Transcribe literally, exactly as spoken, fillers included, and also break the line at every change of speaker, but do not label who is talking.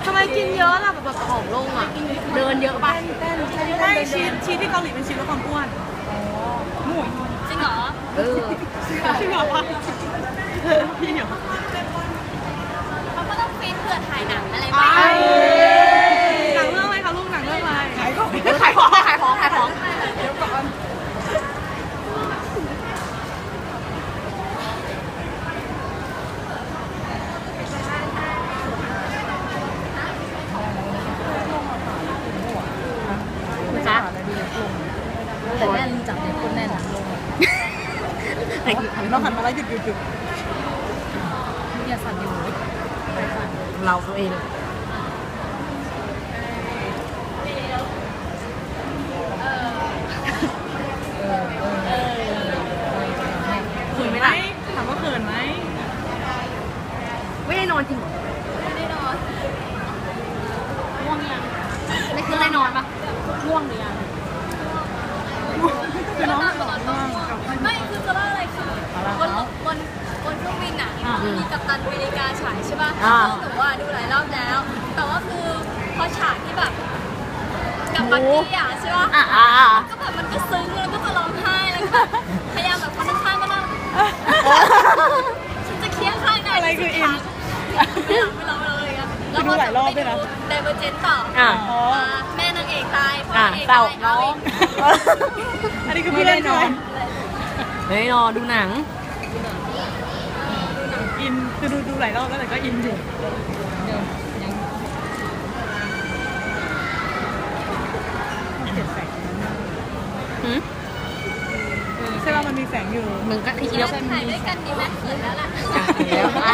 ทำไมกินเยอะล่ะแบบผอมลงอ่ะเดินเยอะป่ะ
ไม่ชีสชีสที่เกาหลีเป็นชีสลดความอ้วนหมุ่ย
จริงเหรอ
เออ
จริงเหรอวะพี่เหรอ
เขาก็ต้องฟิตเพื่อถ่ายหนังอะไร
ไป
บ้าง
หนังเรื่องอะไรคะลูกหนังเรื่องอะไรขายของ
ขายของขายของขายของ
เดี๋ยวก่อน
จ๊ะ
แต่แน่นจับเนี่ยคนแน่นอะ
เราหันมาแล้วหยุดหยุดหยุด
เนี่ยสั่นอยู่
เราตัวเอง
เขินไหมถามว่าเขินไหม
ไม่ได้นอนจริงเหรอ
ไม่ได้นอน
ง่วงยังไม่คือได้นอนปะง่วงหรือยัง
คือน้องหลอนมากกับ
ไม่คือจะเล่าอะไรคือบนบนบนเครื่องบินอ่ะมันมีกัปตันอเมริกาฉายใช่ป่ะซึ่งหนูว่าดูหลายรอบแล้ว แต่ว่าคือพอฉากที่แบบกับบักกี้อ่ะใช่ป่ะ
อ่าอ่า
ก็แบบมันก็ซึ้งแล้วก็จะร้องไห้แล้วก็พยายามแบบคนข้างๆก็นั่งฉันจะเคี้ยงข้างได้ไม่ร้องไม่ร้องไม่ร้องเลยอ่ะแล้วก็จะไปดูเดเวอร์เจนต่อ
อ่า
อ๋อ
แม่นางเอกตายพ่อ
อ่าน
างเอก
เศร้า
ตายเอาอีก
อันนี้คือพี่เล่นใช่ไหม
ไม่ได้นอนดูหนัง
อินคือดูดูหลายรอบแล้วแต่ก็อินอยู่
เดี๋ยวยัง
เห็นแสง
หืม
ใช่ป่ะมันมีแสงอยู่
มึงก็คิดว่า
ถ่ายด้วยกันดีไหมเสร็จแล้วล่ะ
แล้ว